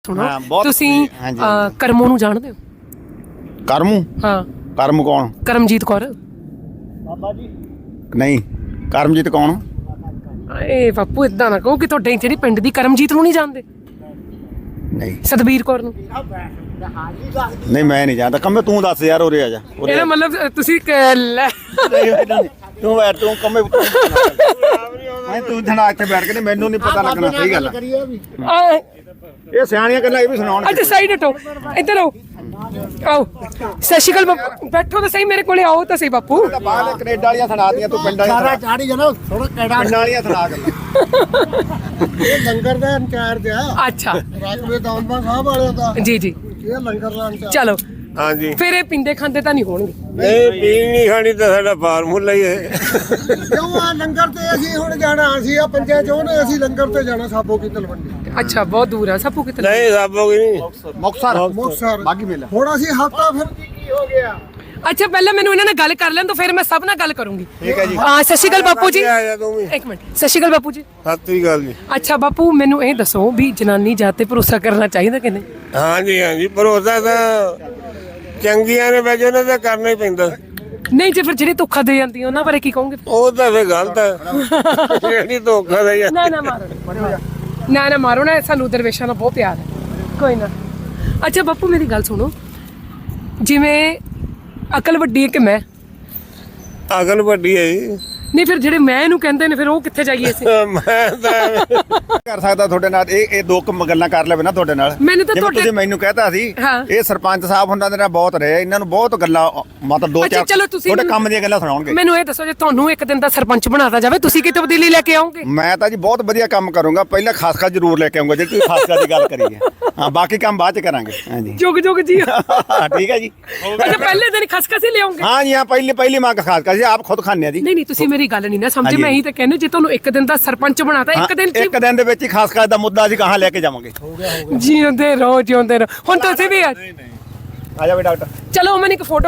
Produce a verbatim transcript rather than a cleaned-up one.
ਸੁਣੋ ਹਾਂ, ਬਹੁਤ ਤੁਸੀਂ ਹਾਂਜੀ, ਅਹ, ਹਾਂਜੀ। ਕਰਮੋਂ ਨੂੰ ਜਾਣਦੇ ਹੋ? ਕਰਮੂ ਹਾਂ, ਕਰਮ ਕੌਣ? ਕਰਮਜੀਤ ਕੌਰ। ਨਹੀਂ, ਕਰਮਜੀਤ ਕੌਣ? ਏ ਬਾਪੂ ਇਦਾਂ ਨਾ ਕਹੋ ਕਿ ਤੁਹਾਡੇ ਜਿਹੜੀ ਪਿੰਡ ਦੀ ਕਰਮਜੀਤ ਨੂੰ ਨਹੀਂ ਜਾਣਦੇ, ਨਹੀਂ ਸਤਬੀਰ ਕੌਰ ਨੂੰ। ਨਹੀਂ ਮੈਂ ਨਹੀਂ ਜਾਣਦਾ। ਕੰਮੇ ਤੂੰ ਦੱਸ ਯਾਰ, ਉਰੇ ਆ ਜਾ ਉਰੇ ਇਹਦਾ ਆ। ਮਤਲਬ ਅਹ, ਤੁਸੀਂ ਕ- ਲੈ ਤੂੰ ਬੈਠ ਤੂੰ ਕੰਮੇ ਮੈਂ ਤੂੰ ਥਣਾ ਇੱਥੇ ਬੈਠ ਕੇ ਤੇ ਮੈਨੂੰ ਨਹੀਂ ਪਤਾ ਲੱਗਣਾ। ਸਹੀ ਗੱਲ ਆ। ਆਹ, ਇਹ ਸਿਆਣੀਆਂ ਗੱਲਾਂ ਇਹ ਵੀ ਸੁਣਾਉਣ। ਅੱਛਾ ਸਾਈਡ ਹਟੋ, ਇੱਧਰ ਆਓ ਆਓ। ਸਤਿ ਸ਼੍ਰੀ ਅਕਾਲ ਬਾਪੂ, ਬੈਠੋ ਤਾਂ ਸਹੀ ਮੇਰੇ ਕੋਲੇ, ਆਓ ਤਾਂ ਸਹੀ ਬਾਪੂ। ਬਾਹਰ ਕੈਨੇਡਾ ਵਾਲੀਆਂ ਸੁਣਾਤੀਆਂ ਤੂੰ, ਪਿੰਡਾਂ ਸਾਰਾ ਵਾਲੀਆਂ ਚਾੜੀ ਜਨਾ ਥੋੜਾ ਕਿਹੜਾ ਪਿੰਡਾਂ ਵਾਲੀਆਂ ਸੁਣਾ ਗੱਲਾਂ। ਇਹ ਲੰਗਰ ਦਾ ਇੰਚਾਰਜ ਆ ਅੱਛਾ ਰਾਜਵੇ ਦੌਲਮਾ ਸਾਹਿਬ ਵਾਲਿਆਂ ਦਾ। ਜੀ ਜੀ, ਇਹ ਲੰਗਰ ਦਾ ਇੰਚਾਰਜ। ਚਲੋ ਹਾਂਜੀ ਫਿਰ ਇਹ ਪਿੰਦੇ ਖਾਂਦੇ ਤਾਂ ਨਹੀਂ ਹੋਣਗੇ। ਨਹੀਂ ਪੀਣ ਨਹੀਂ ਖਾਣੀ ਤਾਂ ਸਾਡਾ ਫਾਰਮੂਲਾ ਹੀ ਹੈ। ਕਿਉਂ ਆ ਲੰਗਰ ਤੇ ਅਸੀਂ ਹੁਣ ਜਾਣਾ, ਅਸੀਂ ਆ ਪੰਜੇ ਚੋਂ ਨੇ, ਅਸੀਂ ਲੰਗਰ ਤੇ ਜਾਣਾ ਸਾਬੋ ਕੀ ਤਲਵੰਡੀ ਅੱਛਾ ਬਹੁਤ ਦੂਰ ਆ ਸਭੂ ਕਿਤੇ। ਨਹੀਂ ਸਾਬੋਗੀ ਨਹੀਂ ਮੁਕਤਸਰ ਮੁਕਤਸਰ ਬਾਗੀ ਮੇਲਾ। ਹੁਣ ਅਸੀਂ ਹਫਤਾ ਫਿਰ ਕੀ ਹੋ ਗਿਆ। ਅੱਛਾ ਪਹਿਲਾਂ ਮੈਨੂੰ ਇਹਨਾਂ ਨਾਲ ਗੱਲ ਕਰ ਲੈਣ ਤੋਂ ਫਿਰ ਮੈਂ ਸਭ ਨਾਲ ਗੱਲ ਕਰੂੰਗੀ। ਠੀਕ ਹੈ ਜੀ। ਹਾਂ ਸਤਿ ਸ਼੍ਰੀ ਅਕਾਲ ਬਾਪੂ ਜੀ। ਆ ਜਾ ਤੂੰ ਵੀ। ਇੱਕ ਮਿੰਟ, ਸਤਿ ਸ਼੍ਰੀ ਅਕਾਲ ਬਾਪੂ ਜੀ। ਸਤਿ ਸ੍ਰੀ ਅਕਾਲ ਜੀ। ਅੱਛਾ ਬਾਪੂ ਮੈਨੂੰ ਇਹ ਦੱਸੋ ਵੀ ਜਨਾਨੀ ਜਾਤ ਤੇ ਭਰੋਸਾ ਕਰਨਾ ਚਾਹੀਦਾ ਕਿ ਨਹੀਂ? ਹਾਂਜੀ ਹਾਂਜੀ ਭਰੋਸਾ ਤਾਂ ਚੰਗੀਆਂ ਨੇ ਵੈਸੇ ਉਹਨਾਂ ਦਾ ਕਰਨਾ ਹੀ ਪੈਂਦਾ। ਨਹੀਂ ਜੇ ਫਿਰ ਜਿਹੜੀ ਧੋਖਾ ਦੇ ਜਾਂਦੀ ਉਹਨਾਂ ਬਾਰੇ ਕੀ ਕਹੋਗੇ? ਉਹ ਤਾਂ ਫੇ ਗਲਤ ਹੈ। ਜਿਹੜੀ ਧੋਖਾ ਦੇ ਨਾ ਨਾ ਮਾਰੋ ਨਾ ਨਾ ਮਾਰੋ ਨਾ, ਸਾਨੂੰ ਦਰਵੇਸ਼ਾਂ ਨਾਲ ਬਹੁਤ ਪਿਆਰ ਹੈ। ਕੋਈ ਨਾ। ਅੱਛਾ ਬਾਪੂ ਮੇਰੀ ਗੱਲ ਸੁਣੋ, ਜਿਵੇਂ ਅਕਲ ਵੱਡੀ ਹੈ ਕਿ ਮੈਂ? ਅਕਲ ਵੱਡੀ ਹੈ ਜੀ। ਨਹੀਂ ਫਿਰ ਜਿਹੜੇ ਮੈਂ ਇਹਨੂੰ ਕਹਿੰਦੇ ਨੇ ਫਿਰ ਉਹ ਕਿੱਥੇ ਜਾਈਏ ਅਸੀਂ? ਮੈਂ ਤਾਂ ਕਰ ਸਕਦਾ ਤੁਹਾਡੇ ਨਾਲ ਇਹ ਇਹ ਦੋ ਕੁ ਗੱਲਾਂ ਕਰ ਲਵੇ ਨਾ ਤੁਹਾਡੇ ਨਾਲ। ਮੈਨੂੰ ਤਾਂ ਜਿਵੇਂ ਤੁਹਾਡੇ- ਤੁਸੀਂ ਮੈਨੂੰ ਕਹਿਤਾ ਸੀ, ਹਾਂ। ਇਹ ਸਰਪੰਚ ਸਾਹਿਬ ਉਹਨਾਂ ਦੇ ਨਾਲ ਬਹੁਤ ਰਹੇ, ਇਹਨਾਂ ਨੂੰ ਬਹੁਤ ਗੱਲਾਂ ਮਤਲਬ ਦੋ ਅੱਛਾ, ਚਾਰ ਚਲੋ ਤੁਸੀਂ ਤੁਹਾਡੇ ਮੈਨੂੰ- ਕੰਮ ਦੀਆਂ ਗੱਲਾਂ ਸੁਣਾਉਣਗੇ। ਮੈਨੂੰ ਇਹ ਦੱਸੋ ਜੇ ਤੁਹਾਨੂੰ ਇੱਕ ਦਿਨ ਦਾ ਸਰਪੰਚ ਬਣਾਤਾ ਜਾਵੇ ਤੁਸੀਂ ਕੀ ਤਬਦੀਲੀ ਲੈ ਕੇ ਆਓਗੇ? ਮੈਂ ਤਾਂ ਜੀ ਬਹੁਤ ਵਧੀਆ ਕੰਮ ਕਰੂੰਗਾ। ਪਹਿਲਾਂ ਖਾਸ ਖਾਸ ਜ਼ਰੂਰ ਲੈ ਕੇ ਆਉਂਗਾ, ਜਿਹੜੀ ਤੁਸੀਂ ਖਾਸ ਖਾਸ ਦੀ ਗੱਲ ਕਰੀ ਹੈ। ਹਾਂ ਬਾਕੀ ਕੰਮ ਬਾਅਦ ਚ ਕਰਾਂਗੇ। ਹਾਂਜੀ ਜੁਗ ਜੁਗ ਜੀ। ਠੀਕ ਹੈ ਜੀ। ਅੱਛਾ ਪਹਿਲੇ ਦਿਨ ਖਸਖਸ ਹੀ ਲਿਆਉਂਗੇ? ਹਾਂ ਜੀ ਹਾਂ, ਪਹਿਲੀ ਪਹਿਲੀ ਮੰਗ ਖਾਸ ਕਰ ਜੀ ਆਪ ਖੁਦ ਖਾਂਦੇ ਆ ਜੀ। ਨਹੀਂ ਨਹੀਂ ਤੁਸੀਂ ਮੇਰੀ ਗੱਲ ਨਹੀਂ ਨਾ ਸਮਝੇ। ਹਾਂਜੀ। ਮੈਂ ਇਹੀ ਤਾਂ ਕਹਿੰਦੀ ਜੇ ਤੁਹਾਨੂੰ ਇੱਕ ਦਿਨ ਦਾ ਸਰਪੰਚ ਬਣਾਤਾ ਹਾਂ, ਇੱਕ ਦਿਨ ਇੱਕ ਦਿਨ ਦੇ ਵਿੱਚ ਹੀ ਖਾਸ ਖਾਸ ਦਾ ਮੁੱਦਾ ਅਸੀਂ ਕਹਾਂ ਲੈ ਕੇ ਜਾਵਾਂਗੇ। ਜਿਉਂਦੇ ਰਹੋ ਜਿਉਂਦੇ ਰਹੋ। ਹੁਣ ਤੁਸੀਂ ਵੀ ਆ ਆ ਜਾ ਵੀ ਡਾਕਟਰ। ਚਲੋ ਮੈਂ ਇੱਕ ਫੋਟੋ